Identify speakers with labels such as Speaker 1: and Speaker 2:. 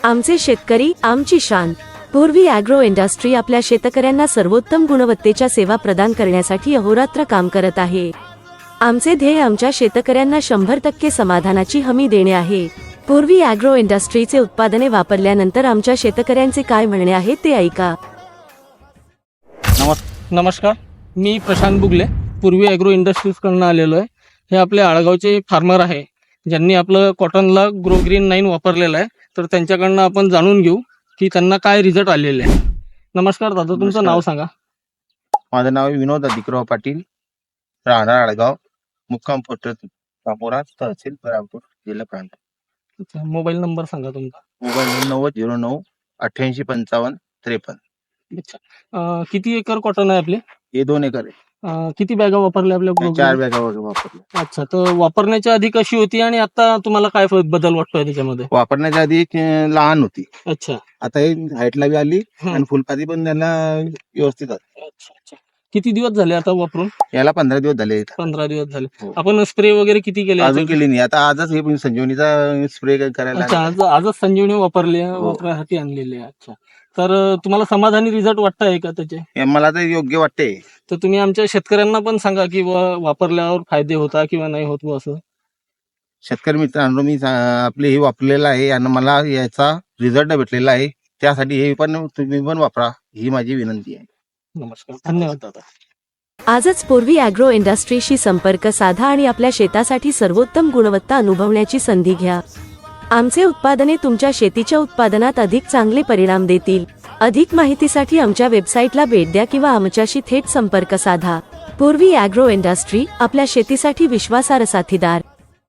Speaker 1: आमचे शेतकरी आमची शान। पूर्वी ॲग्रो इंडस्ट्री आपल्या शेतकऱ्यांना सर्वोत्तम गुणवत्तेच्या सेवा प्रदान करण्यासाठी अहोरात्र काम करत आहे। आमचे ध्येय आमच्या शेतकऱ्यांना 100% समाधानाची हमी देणे आहे। पूर्वी ॲग्रो इंडस्ट्रीचे उत्पादने वापरल्यानंतर आमच्या शेतकऱ्यांचे काय म्हणणे आहे ते ऐका।
Speaker 2: नमस्कार, मी प्रशांत बुगले, पूर्वी ॲग्रो इंडस्ट्रीजकडून आलेलो आहे। हे आपले आळगावचे फार्मर आहे ज्यांनी आपलं कॉटनला ग्रो ग्रीन 9 वापरलेलं आहे, तर त्यांच्याकडनं आपण जाणून घेऊ की त्यांना काय रिझल्ट आलेले आहे। नमस्कार दादा, तुमचं नाव सांगा।
Speaker 3: माझं नाव विनोद अधिकराव पाटील, राहणार आळगाव, मुक्काम पोस्ट कामोरा, तहसील बरामपूर, जिल्हा प्रांत।
Speaker 2: मोबाईल नंबर सांगा तुमचा।
Speaker 3: मोबाईल 9009 88 55 53।
Speaker 2: अच्छा, किती एकर कॉटन आहे आपले?
Speaker 3: हे 2 एकर आहे।
Speaker 2: किती बॅगा वापरल्या आपल्या?
Speaker 3: 4 बॅगा वापरल्या।
Speaker 2: अच्छा, तर वापरण्याच्या आधी कशी होती आणि आता तुम्हाला काय बदल वाटतोय त्याच्यामध्ये?
Speaker 3: वापरण्याच्या आधी एक लहान होती,
Speaker 2: अच्छा,
Speaker 3: आता हे हाईटला बी आली आणि फुलपाती पण त्यांना व्यवस्थित आहे।
Speaker 2: अच्छा, किती दिवस झाले आता वापरून?
Speaker 3: याला 15 दिवस झाले।
Speaker 2: 15 दिवस झाले।
Speaker 3: हो।
Speaker 2: आपण स्प्रे वगैरे किती केले?
Speaker 3: अजून केली नाही, आता आजच हे संजीवनीचा स्प्रे करायला।
Speaker 2: अच्छा, आजच संजीवनी वापरली,
Speaker 3: हो।
Speaker 2: वापरासाठी आणलेली आहे। अच्छा, तर तुम्हाला समाधानी रिझल्ट वाटतंय का त्याचे?
Speaker 3: हे मला तर योग्य वाटते।
Speaker 2: तर तुम्ही आमच्या शेतकऱ्यांना पण सांगा की वापरल्यावर फायदे होता किंवा नाही होत असं।
Speaker 3: शेतकरी मित्रांनो, मी आपले हे वापरलेलं आहे आणि मला याचा रिझल्ट भेटलेला आहे, त्यासाठी हे पण तुम्ही पण वापरा, ही माझी विनंती आहे।
Speaker 2: नमस्कार, धन्यवाद दादा।
Speaker 1: आजच पूर्वी ॲग्रो इंडस्ट्रीशी संपर्क साधा आणि आपल्या शेतासाठी सर्वोत्तम गुणवत्ता अनुभवण्याची संधी घ्या। आमचे उत्पादने तुमच्या शेतीच्या उत्पादनात अधिक चांगले परिणाम देतील। अधिक माहितीसाठी आमच्या वेबसाईटला भेट द्या किंवा आमच्याशी थेट संपर्क साधा। पूर्वी ॲग्रो इंडस्ट्री, आपल्या शेतीसाठी विश्वासार्ह साथीदार।